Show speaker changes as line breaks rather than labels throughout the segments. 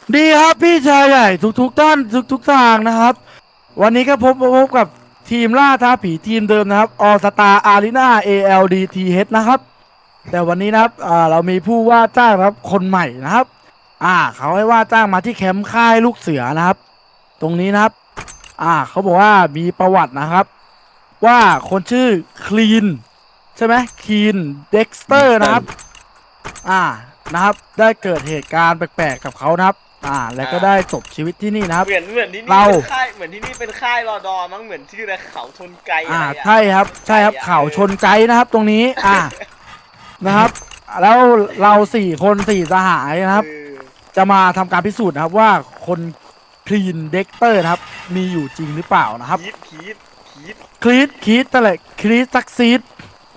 ดีครับพี่ชายใหญ่ทุกท่านทุกทางนะครับวันนี้ก็พบกับทีมล่าท้าผีทีมเดิมนะครับออสตาอารีนา ALDTH นะครับแต่วันนี้นะครับเรามีผู้ว่าจ้างนะครับคนใหม่นะครับเขาให้ว่าจ้างมาที่แคมป์ค่ายลูกเสือนะครับตรงนี้นะครับเขาบอกว่ามีประวัตินะครับว่าคนชื่อคลีนใช่ไหมคลีนเด็กสเตอร์นะครับ อ่านะครับได้เกิดเหตุการณ์แปลกๆกับเขานะครับแล้วก็ได้จบชีวิตที่นี่นะครับ
เหมือนที่นี่
เรา
เป็นค่ายเหมือนที่นี่เป็นค่ายรอดอมั้งเหมือนชื่ออะไรเขาชนไกอะไรอ่ะ
ใช่ครับใช่ครับเขาชนไกด์นะครับตรงนี้นะครับแล้วเรา4 คน4 สหายนะครับจะมาทำการพิสูจน์นะครับว่าคนคลีนเด็กเตอร์นะครับมีอยู่จริงหรือเปล่านะครับ
คีด
คลีดนั่นแหละคลีดซักซีด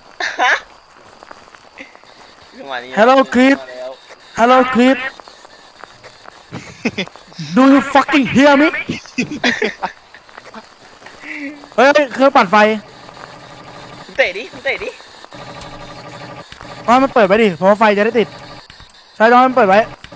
จังหวะนี้
Hello Creed Hello คลีด Do you fucking hear me เฮ้ยเครื่องปั่นไฟ
เตะดิ
มันเปิดไว้ดิเพราะว่าไฟจะได้ติดใช่ต้องมันเปิดไว้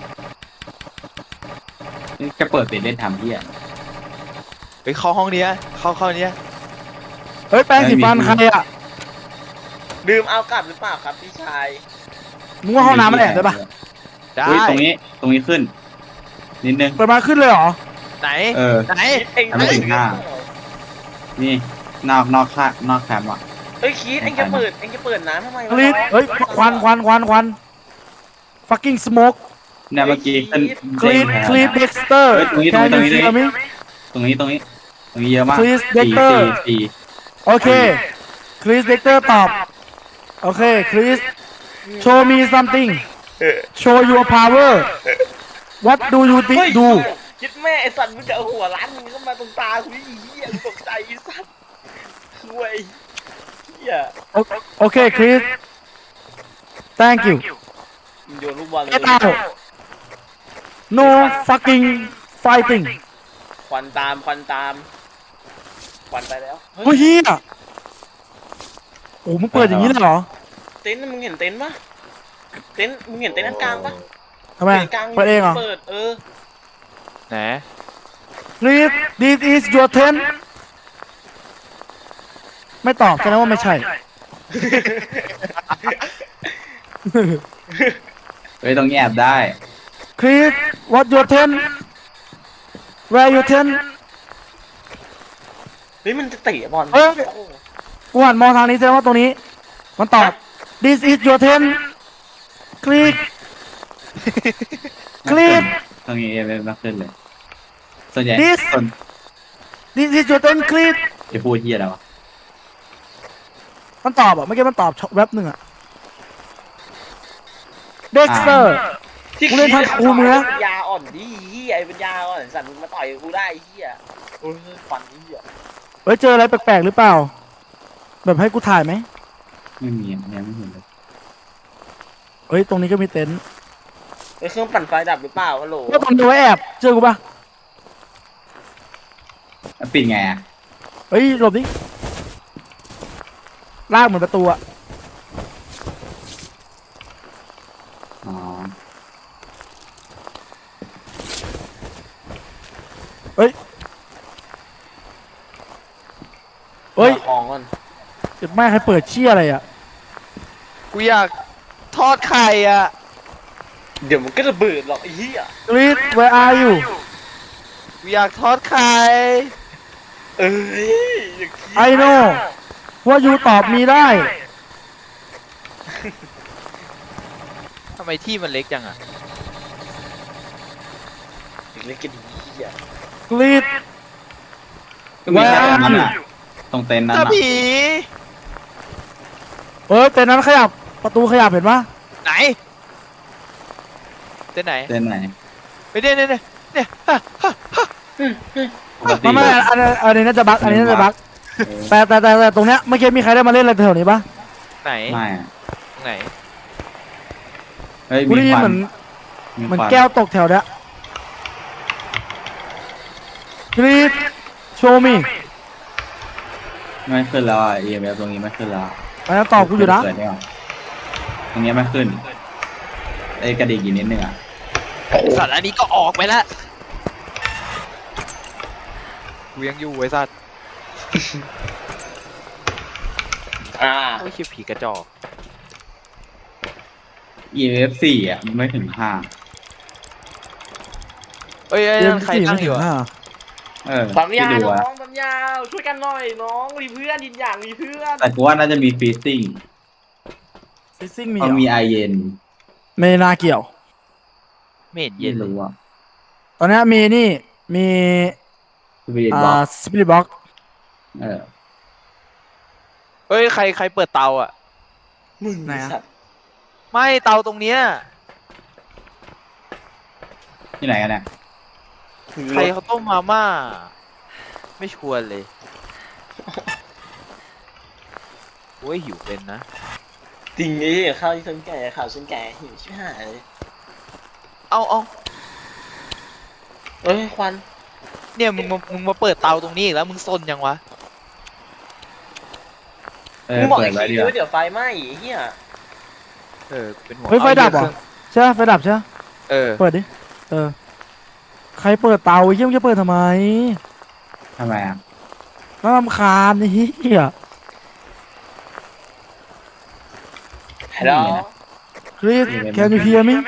นี่จะเปิดปิดเล่นทำที่อ่ะ
ไปเข้าห้องเนี้ยเข้าเนี้ย
เฮ้ยแปรงสีฟันใครอ่ะ
ดื่มเอากลับหรือเปล่าครับพี่ชาย
มึงว่าห้องน้ำมันแอบได้ปะ
ได้
เฮ้ยตรงนี้ขึ้นนิดนึง
เปิดมาขึ้นเลยเหรอ
ไหน
เออ
ไหน
คิดเอง
ทำไมถึงห้า นี่นอกแคมป์อ่ะ
เอ้ยคิดเองจะเปิดน้ำทำไม
คลีดเฮ้ยควัน fucking smoke
เนี่ยเมื่อกี้ขึ้น
คลีด
เด้ง
คลีด
แทน
เด็กสเตอร์
เฮ้ยตรงนี้
Can you hear me
ตรงนี้เยอะมาก
Please
สี่
Dexter
สี่
โอเคคลีดเด็กเตอร์ตอบโอเคคลีด show me something show your power what do you think do
คิดแม่ไอสัตว์มึงจะเอาหัวล้านมึงเข้ามาตรงตากูนี่เหี้ยกูตกใจไอสัตว์ห่วยเหี้ย
โอเคคลีด thank you
มึงโยนลูกบอลเลย
get out no fucking fighting
ควันตามควันไปแล้ว
เฮ้ยเฮียโอ้มึงเปิดอย่างนี้เลยเหรอ
เต็นท์มึงเห็นเต็นท์ปะมึงเห็นเต็นท์อันกลางปะ
ทำไม
เต็นท์กลาง
เปิดเองเหรอ
เปิด
ไหน
Please this is your tent ไม่ตอบแสดงว่าไม่ใช่
เฮ้ยตรงนี้แอบได้
Please what your tent where your tent
เฮ้ยมันจะเตะบอล
เอ้ย กูหันมองทางนี้แสดงว่าตรงนี้ มันตอบ This is your tent click click
ตรงนี้เอไม่ขึ้นเลย ส่วนใหญ่
This
ส่วน
This is your tent click
จะพูดที่อะไรวะ
มันตอบอ่ะเมื่อกี้มันตอบแวบหนึ่งอ่ะ Dexter
ที่
กูเล่นทางกูมึงนะ
ยาอ่อนดิเฮียไอ้เป็นยาอ่อนสัตว์มึงมาต่อยกูได้เฮียโอ้ยฟันเฮีย
เฮ้ยเจออะไรแปลกๆหรือเปล่า แบบให้กูถ่ายไหม
ไม่มีอ่ะยังไม่เห็นเลย
เฮ้ยตรงนี้ก็มีเต็นท์
ไอ้เครื่องปั่นไฟดับหรือเปล่าฮัลโหล
ว่าตรงนี้ไว้แอบเจอกูปะ
แล้วปิดไงอ่ะ
เฮ้ยหลบดิลากเหมือนประตูอะ
อ๋อ
เฮ้ย
ของก่อน
เจ็บแม่ใครเปิดเชี่ยอะไรอะ
กูอยากทอดไข่อ่ะ
เดี๋ยวมันก็ระเบิดหรอกไอ้เฮีย
กรีด where are you
กูอยากทอดไข่
เอ้ยอย่าคิด
I know ว่ายูตอบมีได้
ทำไมที่มันเล็กจังอ่ะ
เล่นกันดีเฮีย
กรีด
ก็มีแค่ตรงนั้นอ่ะ ตรงเต็นท์นั้น
ถ้า
อ่ะ
ผี
เฮ้ยแต่นั้นขยับประตูขยับเห็นปะ
ไหนเต้นไหน
เต็นท์ไหน
ไปเนี่ยฮะ
ปกติ
ไม่อันนี้น่าจะบั๊กอันนี้น่าจะบั๊กแต่ตรงเนี้ยเมื่อกี้มีใครได้มาเล่นอะไรแถวนี้ปะ
ไหน
ไม่อ่ะ
ไหน
เฮ้ย
กู
มี
ได้ยิน
ควั
เห
น
มือน
ควัน
แก้วตกแถวเนี้ยกรีด show me
ไม่ขึ้นแล้วอ่ะ EMF ตรงนี้ไม่ขึ้นแล้ว
อันนั้นตอบกูอยู่นะ
เปิดไม่ออกตรงนี้ไม่ขึ้นไอ้กระดิกอีกนิดนึงอ่ะ
สัตว์อันนี้ก็ออกไปแล้วกูยังอยู่ไอ้สัตว์ โอ้ยเชี่ยผีกระจอก
EF 4อ่ะมันไม่ถึง5
เอ้ย
เกม
นั่นใคร
สี่
นั่
ไม่
งอ
ถึ
ยู่
ง
อะ
ห้า
ปั๊มยา
ที่ดู
น้
อะ
องปั๊มยาช่วยกันหน่อยน้องมีเพื่อนยินอย่างมีเพื่อน
แต่กูว่าน่าจะมีฟีซซิ่ง
ฟิซซิ่งมี
เพราะ
เหร
มี
อ
ไอเย็น
ไม่น่าเกี่ยว
ไม่เห็นเย็
ไม่
นเลย
รู้อ่ะ
ตอนนี้มีนี่มี
สปีดบ็อก
สปิริตบ็อก
เออ
เฮ้ยใครเปิดเตาอ่ะ
มึงไอ้สัตว์
ไม่เตาตรงเนี้ย
ที่ไหนกันเนี่ย
ใครเขาต้มมาม่าไม่ชวนเลยโอ้ยหิวเป็นนะ
จริงไอ้เหี้ยข้าวที่ฉันแก่ข้าวฉันแก่หิวชิบหายเลย
เอา
เอ้ยควัน
เนี่ยมึงมาเปิดเตาตรงนี้อีกแล้วมึงซนยังวะ
เออ
มึงบอก
เปิ
ไอ้
ดไว้
ขี้
ดีก
ด้ว
ว่าย
เดี๋ยวไฟไหม้ไอ้เหี้ย
เป็นหัว
เฮ้ยไฟดับเหรอใช่ไหมไฟดับใช่ไหม
เออ
เปิดดิใครเปิดเตาไอ้เหี้ยมึงจะเปิดทำไม
ทำไมอ่ะ
น่ารำคาญไอ้เหี้ย
ฮัลโหล
คริสแคนยูเฮียมั้ยว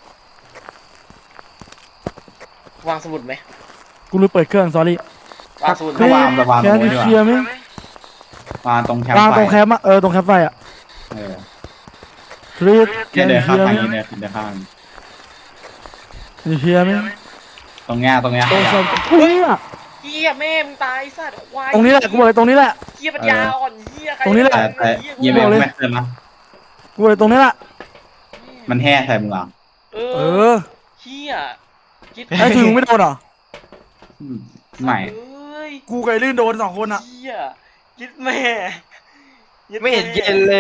างสมุดไหม
กูลืมเปิดเครื่อง sorry
วางสมุด
คริส
วางตรง
แคน
นู้
ยู
นดีก
เฮีย
ว่า
มั้ยว
างตรงแคมป์
วาง
ไฟ
ตรงแคมป์อะตรงแคมป์ไฟอะ
เออ
คริสแค
เนี่ย
น
เดิ
ยู
น
เฮี
ข้าม
ย
ทาง
มั้ย
นี้เดินข้าง
ยูเฮียมั้ย
ตรงเนี้ย
ตรงสมเฮีย
เหี้ยแม่มึงตายสัตว์ควาย
ตรงนี้แหละกูบอกเลยตรงนี้แหละ
เหี้ยปัญญาอ่อนเหี้ยใคร
ตรงนี้แหละ
แต่
เหี้ย
เยี่ยม
บอกเลย
ไม่เกินนะ
กูบอกเลยตรงนี้แหละ
มันแห่ใส่มึงเหรอ
เอ
เอ
อ
อ
เหี้ยคิด
ไอ้ถึงไม่โดนเหรอ
อืมไม่
เอ้ย
กูกับไอ้ลื่นโดน2 คนอะ
เหี้ยคิดแม่ยึด
ไม่เห็นเย็นเลย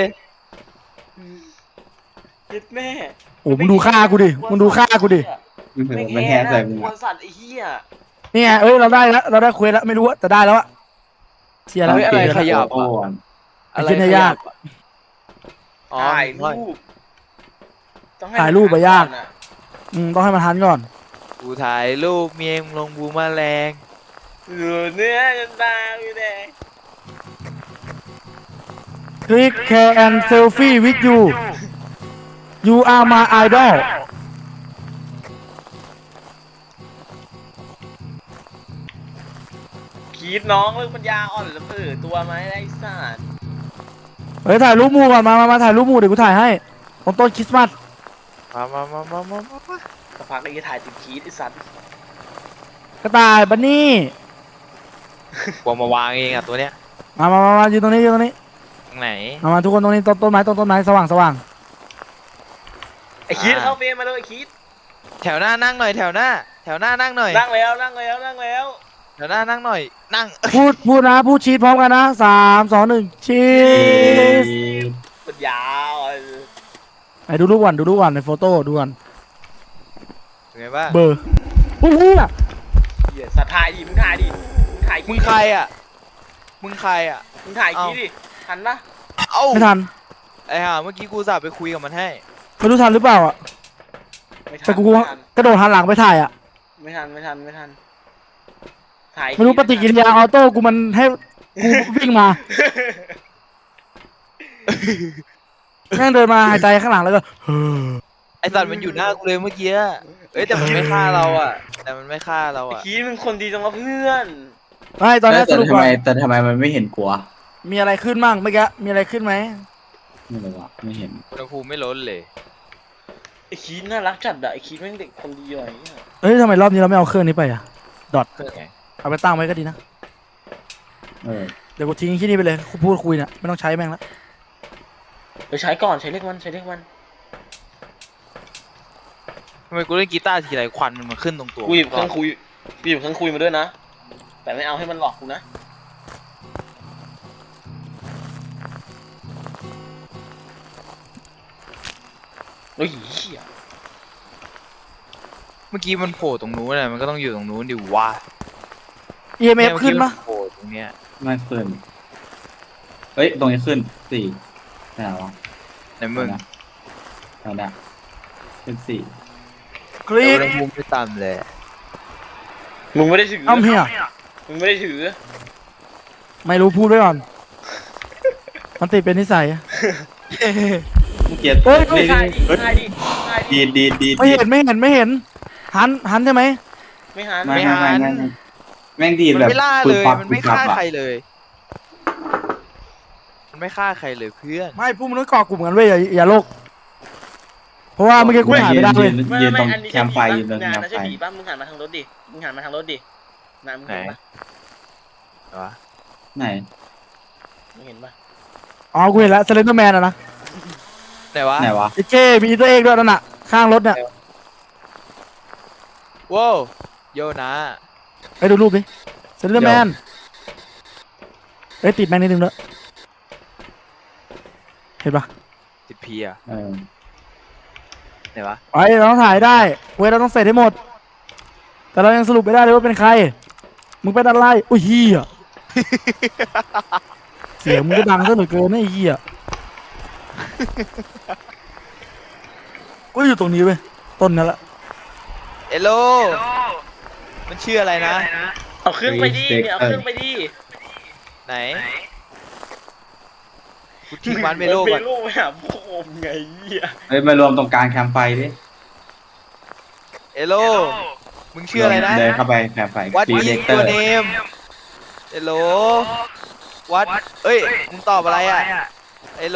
ยึดแม่
โอ้มึงดูค่ากูดิมึงดูค่ากูดิ
มันแห่ใส่มึง
กลัว
อะ
สัตว์ไอ้เหี้ย
นี่ไงเอ้ยเราได้แล้วเราได้เควสแล้วไม่รู้อะแต่ได้แล้วอะเชียร์แล้ว
เฮ้ยอะไรขยับ
โอ้
อะ
ไอ้เชี่ยเนี่ยยาก
อ๋อ
ถ่ายรูปต้องให้
ถ่ายรูปอะยาก
มัน
ต้องให้มันทันก่อน
กูถ่ายรูปเมียมลงบูมาแรง
เออเนื้อจนตาอยู่แดง
Click care and selfie with you you are my idol
คิดน้องเรื่องปัญญาอ่อนแล้วตัวไหมไอ้สัตว์
เฮ้ยถ่ายรูปหมู่ก่อนมาถ่ายรูปหมู่เดี๋ยวกูถ่ายให้ตรงต้นคริสต์มาส
มา
สักพักไอ้ถ่ายติดคิดไอ้สัตว์
กระต่ายบันนี่
กลัวมาวางเองอ่ะตัวเนี้ย
มายืนตรงนี้ยืนตรงนี้
ตรงไหน
มาทุกคนตรงนี้ต้นไม้สว่าง
ไอ้คิดเข้าเฟรมมาเลยไอ้คิด
แถวหน้านั่งหน่อยแถวหน้านั่งหน่อย
นั่งแล้ว
แถวหน้านั่งหน่อยนั่ง
พูดนะพูดชีทพร้อมกันนะ3 2 1ชีส
ปัญญาอ่อน
ไอ้ดูรูปก่อนในโฟโต้ดูก่อน
เป็นไงบ้าง
เบอร์โอ้โห
เหี้ยสัตว์ถ่ายดิมึงถ่ายดิถ่าย
มึงใครอ่ะมึง
ถ่ายคิดดิทันปะ
เอ้า
ไม่ทัน
ไอ้ห่าเมื่อกี้กูสับไปคุยกับมันให้
ไม่รู้ทันหรือเปล่าอ่ะ
ไม่ทัน
แต่กูกระโดดหันหลังไปถ่ายอ่ะ
ไม่ทันถ่าย
ไม่รู้ปฏิกิริยาออโต้กูมันให้กูวิ่งมาแม่งเดินมาหายใจข้างหลังแล้วก็
ไอสัตว์มันอยู่หน้ากูเลยเมื่อกี้เอ้ยแต่มันไม่ฆ่าเราอ่ะ
ไอ้คิดมึงคนดีจังวะเพื่อน
ไม่ตอนนี้สรุปก่อน
แต่ทำไมมันไม่เห็นกลัว
มีอะไรขึ้นมั่งเมื่อกี้มีอะไรขึ้นไหม
ไม่รู้อ่ะไม่เห็น
อุณหภูมิไม่ลดเลย
ไอ้คิดน่ารักจัดอะไอ้คิดแม่งเด็กคนดีว่ะไอ้เหี้ย
เฮ้ยทำไมรอบนี้เราไม่เอาเครื่องนี้ไปอ่ะดอท
เครื่องไง
เอาไปตั้งไว้ก็ดีนะ
เออ
เดี๋ยวกูทิ้งที่นี่ไปเลยพูดคุยเนี่ยไม่ต้องใช้แม่งละ
เดี๋ยวใช้ก่อนใช้เลขมัน
ทำไมกูเล่นกีตาร์ทีไรควันมันมาขึ้นตรงตัว
กูหยิบเครื่องคุยมาด้วยนะ แต่ไม่เอาให้มันหลอกกูนะ โอ้ยเหี้ย
เมื่อกี้มันโผล่ตรงนู้นน่ะมันก็ต้องอยู่ตรงนู้นดิวะ
EMF ขึ้นปะ
โผล่ตรงเนี้ย
ไม่ขึ้นเฮ้ยตรงนี้ขึ้น4ไหนวะ
ไหนมึง
นั่นนะขึ้น4
คลิก
อุณหภูมิไม่ต่ำเลย
มึงไม่ได้ถือ
อ้ำเฮีย
มึงไม่ได้ถือ
ไม่รู้พูดไว้ก่อน มันติดเป็นนิสัย
เกลียด
เฮ้ย
นี่
ถ่ายดิ
เฮ้ย
ถ่ายดิถ่ายดิ
ดี
ไม่เห็นไม่เห็นไม่เห็น หันใช่ไหม
ไม่หัน
ไม่แม่งดี
มัน
แบบ
ไม่ล่า
ปึ๊
เล
บ
ย
ปั๊บ
มันไม่
ปึ๊บ
ฆ่า
ปั๊บอะ
ใครเลย มันไม่ฆ่าใครเลยเพื่อน
ไม่พวกมึงต้องเกาะกลุ่มกันเว้ยอย่าโลก เพราะว่าเมื่อกี้กูถ่ายไม่ได้เลย
ยืนตรง
อันนี้
แคมป์ไฟยืนตรง
งาน
แคม
นะ
ป์
ใช่
ไฟ
ผีป่ะมึงหันมาทางรถดิมึงหันมาทางรถดินะมึงเห็นปะ
วะ
ไหน
มึงเห็นปะ
อ๋อกูเห็นแล้วสเลนเดอร์แมนอะนะ
ไหนวะ
ไหนวะ
ไอ้เจ้มีตัวเองด้วยนั่นน่ะ ข้างรถเนี่ย
ว้าวโยนะ
ไปดูรูปดิสเลนเดอร์แมนเอ้ยติดแมงนิดนึงแล้วเห็นปะ
ติดพีอะ
เออ
ไหนวะ
ไปเราต้องถ่ายได้เว้ยเราต้องเสร็จให้หมด แต่เรายังสรุปไม่ได้เลยว่าเป็นใคร มึงเป็นอะไรอุ้ยเฮีย เสียงมึงก็ดังซะเหลือเกินนะไอ้เฮียกูอยู่ตรงนี้เว้ยต้นนั่นแหละ
เอโลมันชื่ออะไรนะ
เอาเครื่องไปดิเนี่ยเอาเครื่องไปดิ
ไหนกูทิ้งมันไปโลก
เม
ก่อน
โลไปหาพ่อมไงเหี้ย
เฮ้ยมารวมตรงกลางแคมป์ไฟดิ
เอโลมึงชื่ออะไรนะ
เดินเข้าไปแคมป์ไฟ
What
ซี
is
เลเตอ
your
ร์
name เอโล What เอ้ยมึงตอบอะไรอ่ะเอโล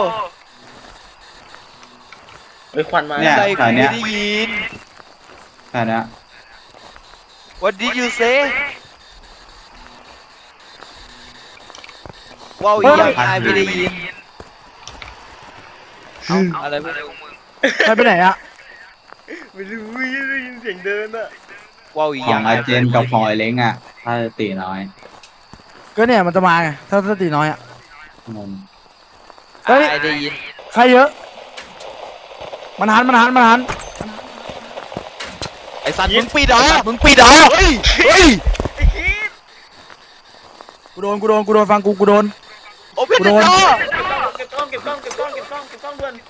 เฮ้ยควันมา
เนี่ย
อะไร
แถ
กู
วเนี้
ไม่
ย
ได้ยิน
แถวเนี้ย
What did you say ว้าวอีกอย่างนายไม่ได้ยินเอ้าอะไรพวกมึง
ใครไปไหนอะ
ไม่รู้ได้ยินเสียงเดินอะ
ว้าวอีก
ข
อ
อย่าง อาเจนกับของไอเล้งอ่ะ ถ้าตีน้อย
ก็เนี่ยมันจะมาไงถ้าสติน้อยอะ
งง
เฮ้ย
ไอได้ยิน
ใครเยอะ มันหัน
ไอสัตว์มึงปิดเหรอมึงปิดเหรอเฮ้ยเฮ้ย
ไอ้คิด
กูโดนฟังกูโดน
โอเพน
กู
เด
โด
อน ร์
เก็บกล้องด่วน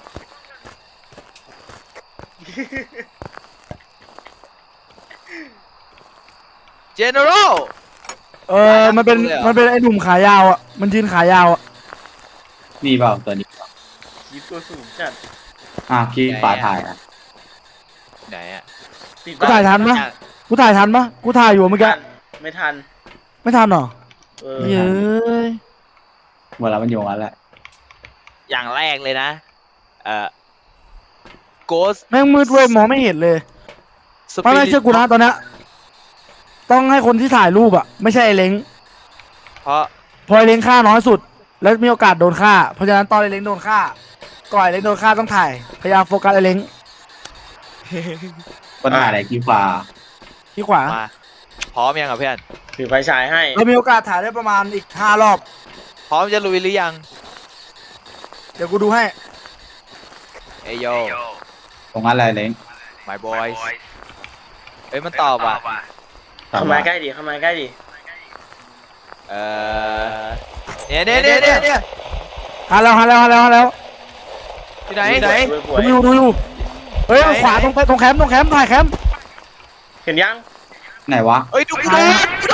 เจเนอเรล
มันเป็นไอ้หนุ่มขายาวอะมันยืนขายาวอะ
นี่เปล่าตัวนี้
คิดตัวสูงจัด
ขี้ฝาถ่ายอ่ะ
ไหนอ่ะ
ติด
กูถ่ายทันปะกูถ่ายอยู่เมื่อกี้
ไม่ทัน
ไม่ทันเหรอ
เออ
เย้ย
เวลามันอยู่งั้นแหละ
อย่างแรกเลยนะโกส
แม่งมืดเว้ยมองไม่เห็นเลย
ส
ไม่เชื่อกูนะตอนเนี้ยต้องให้คนที่ถ่ายรูปอะไม่ใช่ไอ้เล้ง
เพราะ
พอไอ้เล้งฆ่าน้อยสุด แล้วมีโอกาสโดนฆ่า เพราะฉะนั้นตอนไอ้เล้งโดนฆ่าก่อนไอ้เล้งโดนฆ่าต้องถ่ายพยายามโฟกัสไอ้เล้ง
ปัญหาอะไรขี้ฟ้า
ที่ขวา
มาพร้อมยังอ่ะเพื่อน
ถือไฟฉายให้
เรามีโอกาสถ่ายได้ประมาณอีก5 รอบ
พร้อมจะลุยหรือยัง
เดี๋ยวกูดูให้
เอยโย
ตรงนั้นอะไรเล้ง
my boys เอ้ยมันตอบอ่ะ
เข้ามาใกล้ดิเข้ามาใกล้ดิ
เออเนี่ย
หาแล้ว
ที่ไหนไหน
ดูอยู่เฮ้ยขวาตรงแคมป์ถ่ายแคมป์
เห็นยัง
ไหนวะ
เอ้ยดูกูโดน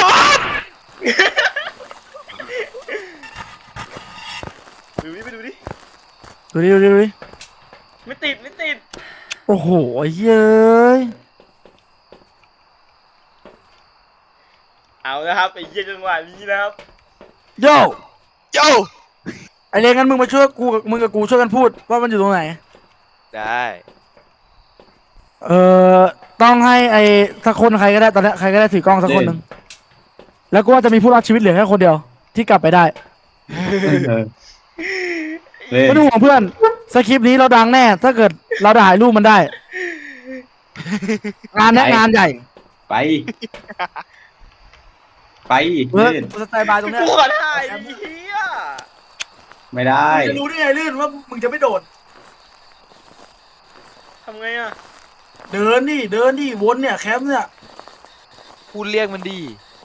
ดูดิไปดูดิ
ดูดิ
ไม่ติด
โอ้โหเย้ย
เอาละครับไอ้เหี้ยจังหวะนี้นะครับ
โย่
โย
ไอ้เล้งงั้นมึงมาช่วยมึงกับกูช่วยกันพูดว่ามันอยู่ตรงไหน
ได้
ต้องให้ไอ้สักคนใครก็ได้ตอนนี้ใครก็ได้ถือกล้องสักคนหนึ่งแล้วก็ว่าจะมีผู้รอดชีวิตเหลือแค่คนเดียวที่กลับไปได้
เออเล่น
ไม่ต้องห่วงเพื่อนสคริปต์นี้เราดังแน่ ถ้าเกิดเราถ่ายรูปมันได้ งานเนี้ยงานใหญ่
ไป ไป
เพื่อ
เล่น
สไตล์บายตรงเนี้ย
กูขอถ่ายไอ้เหี้ย
ไม่ได้
มึงจะรู้ได้ไงลื่นว่ามึงจะไม่โดด
ทำไงอะ
เดินดิวนเนี่ยแคมป์เนี่ย
พูดเรียกมันดี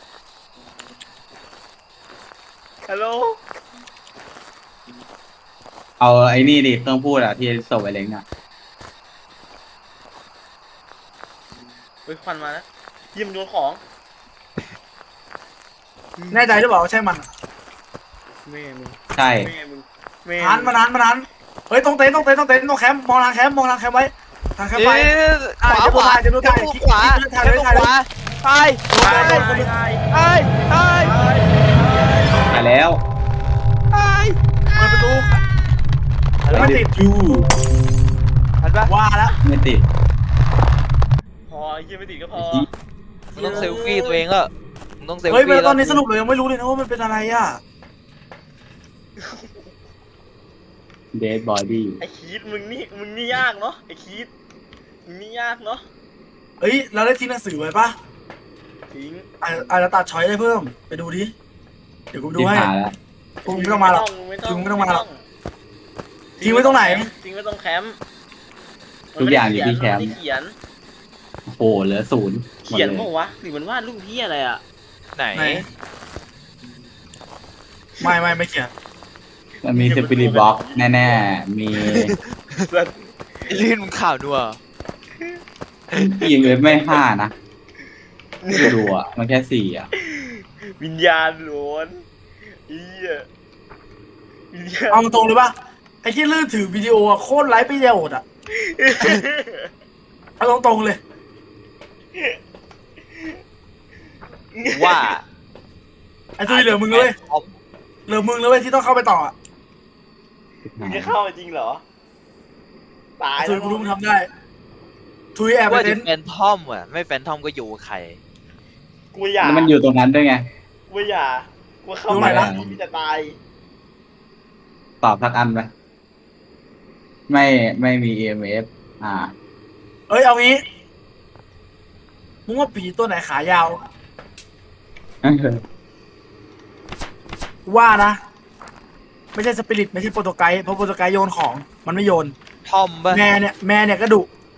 ฮัลโหล
เอาไอ้นี่ดิเครื่องพูดอ่ะที่ส่งไอเล้งอ่ะ
ฮ้ยควันมาแล้วยิ้มโยนของ
แน่ใจหรือเปล่าว่าใช่มัน
แม่มึง
ใช่
แม่มึงแม่
มันมันเฮ้ยตรงเต็นท์ตรงแคมป์มองทางแคมป์ไว้ทางแคมป์ไป
ขวา
จะดูได้
ขวา
ถ่ายเลย
ขวาไป
ตาย
ไป
ตาย
ไปไป
ไปแล้ว
ไป
เปิดประตูไม่ติด
จู
ทันปะ
ว่าแล้ว
ไม่ติด
พอยิ้มไม่ติดก็พอ
มึงต้องเซลฟี่ตัวเองแล้วมึงต้องเซล
เฮ้ย
ฟี่
ตอนนี้สรุปเลยยังไม่รู้เลยนะว่ามันเป็นอะไรอ่ะ
เดดบอดี้
ไอ้คีดมึงนี่ยากเนาะไอ้คีดมึงนี่ยากเนาะ
เฮ้ยเราได้ทิ้งหนังสือไว้ปะ
ทิ้ง
อาจจะตัดช้อยได้เพิ่มไปดูดิเดี๋ยวกูดู
ที่
ให้
หาแล้ว
พวกมึงไม่ต้องมาหรอก
ไม่
ทิ้งไม่ต้องมาหรอก
ทิ้
ทิ้งไว้ตรงไหน
ทิ้งไว้ตรงแคมป์
ทุกอย่างอยู่ที่แคมป์
นไได้เขียน
โอ้โหเหลือ0หมด
เขียน
เลย
เปล่าวะหรือมันวาดรูปพี่อะไรอ่ะ
ไหน
ไหนไม่เขียน
มันมีสปิริตบ็อกแน่ๆ มี
ลื่นมึงข่าวนัว
ยิงเลยไม่5นะไม่ดูอ่ะ มันแค่4อ่ะ
วิญญาณหลอนอีอ่ะวิญญาณ
เอาตรงเลยปะไอ้ที่ลื่นถือวิดีโออะโคตรไร้ประโยชน์อ่ะเอาตรงๆเลย
ว่า
ไอ้ตัวเหลือมึงเลยเหลือมึงเลยที่ต้องเข้าไปต่ออะ
มึงจะเข้ามาจริงเหรอตาย
ไอ้ตัว
แล้ว
กูรู้มึงทำได้ทุยแอบไป
ว่า
เต็
จะ
นท์
แฟนทอมอ่ะไม่แฟนทอมก็อยู่กับใคร
กูอย่า
แล้วมันอยู่ตรงนั้นด้วยไง
กูอย่ากูเข้า
ดูหน่
มา
อย
แล้ว
นะ
พี่จะตาย
ตอบสักอันไหมไม่มี EMF
เอ้ยเอางี้มึงว่าผีตัวไหนขายาวว่านะไม่ใช่สปิริตไม่ใช่โปรโตไกด์เพราะโปรโตไกด์โยนของมันไม่โยน
ทอมปะ
แม่เนี่ยก็ดุ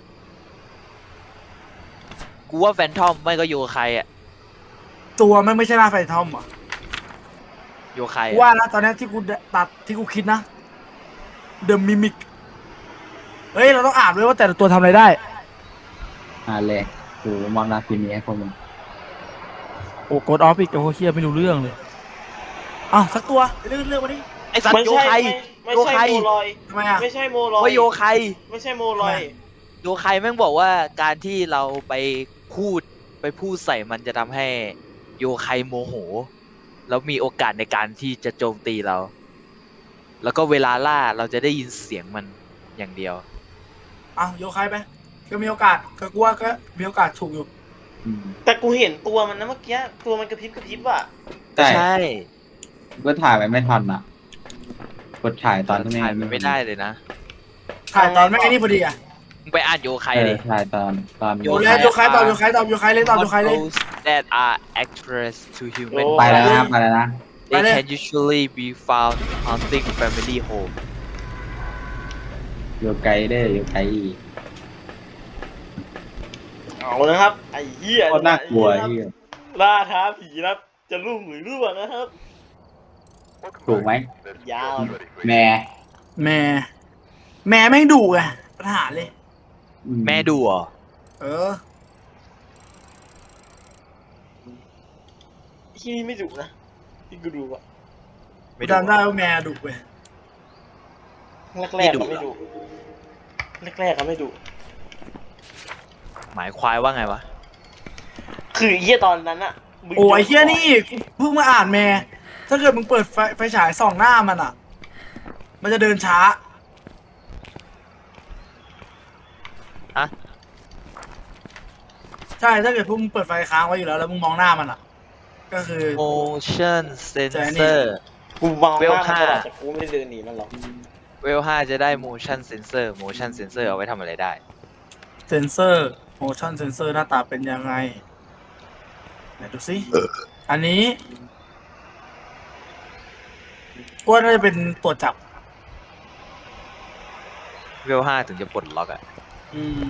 กูว่าแฟนทอมไม่ก็อยู่กับใครอ่ะ
ตัวมันไม่ใช่หน้าไฟทอมอ่ะ
อยู่กับใคร
กู
อะ
ว่านะตอนนี้ที่กูตัดที่กูคิดนะ The Mimic เฮ้ยเราต้องอ่านด้วยว่าแต่ละตัวทำอะไรได้
เลยโหมองนาทีนี้ให้พวกมึง
โอ้กดออฟอีกโอ้เฮียไม่รู้เรื่องเลยอ้าวสักตัวเรื่องมาดิ
ไอสัตว์โยใคร
ไม่
โย
ใช่
ใคร
โมลอย
ทำไมอ่ะ
ไม่ใช่โมลอย
ว่าโยใคร
ไม่ใช่โมลอย
โยใครแม่งบอกว่าการที่เราไปพูดใส่มันจะทำให้โยใครโมโห แล้วมีโอกาสในการที่จะโจมตีเรา แล้วก็เวลาล่าเราจะได้ยินเสียงมันอย่างเดียว
อ้าวโยใครไปก็มีโอกาสก็กูว่าก็มีโอกาสถูกอยู่
อืม
แต่กูเห็นตัวมันนะเมื่อกี้ตัวมันกระพริบอ่ะ
ใช่
ใช่
ก็ถ่ายไว้ไม่ทันอ่ะ กดถ่ายตอนที่
ถ่ายมันไม่ได้เลยนะ
ถ่ายตอนไม่ไอ้นี่พอดีอ่ะ
มึงไปอ่านโยใคร
เออ
ดิ
ถ่ายตอน
โยใครตอบโยใครเลยตอบโยใครเลย
Those that are actress to human
ไปแล้วนะไปแล้วนะ
they can usually be found haunting family home
อยู่ไกลได้อยู่ไกลอีก
เอานะครับ ไอ้เหี้ย
โคตรน่ากลัวไอ้เหี้ย
ล่าท้าผีนะครับจะรุ่งหรือร่วงนะครับ
ถูกไหม
ยาว
แม่
แม่แม่งดุไงปัญหาเลย
แม่ดูเหรอ
เออ
ที่นี่ไม่ดุนะที่กูดูอะ
ไม่ดู
จำได้ว่าแม่ดุเว้ย
แรกๆก็ไม่ดุแรกๆก็ไม่ดุ
หมายควายว่าไงวะ
คือไอ้เหี้ยตอนนั้นอะมึง
โอ้ยเฮียนี่เพิ่งมาอ่านแม่ถ้าเกิดมึงเปิดไฟฉายส่องหน้ามันอ่ะ มันจะเดินช้า
อะ
ใช่ถ้าเกิดพวกมึงเปิดไฟค้างไว้อยู่แล้วแล้วมึงมองหน้ามันอ่ะ ก็คือ
motion
ใช่นี่
sensor
กูมอง
เวล
หน้ามันตลอด
5
แต่กูไม่ได้เดินหนีมันหรอก
เวล5จะได้ motion sensor เอาไว้ทำอะไรได้
เซนเซอร์ motion sensor หน้าตาเป็นยังไงไหนดูสิอันนี้ก็น่าจะเป็นตัวจับ
เวล5ถึงจะปลดล็อกอะ
อืม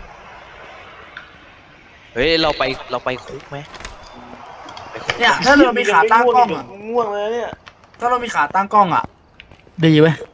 เฮ้ยเราไปคุกไหมไปคุก
เนี่ยถ้าเรามีขาตั้งกล้องอ่ะ
ง่วงเลยเนี่ย
ถ้าเรามีขาตั้งกล้องอ่ะ ดีเว้ย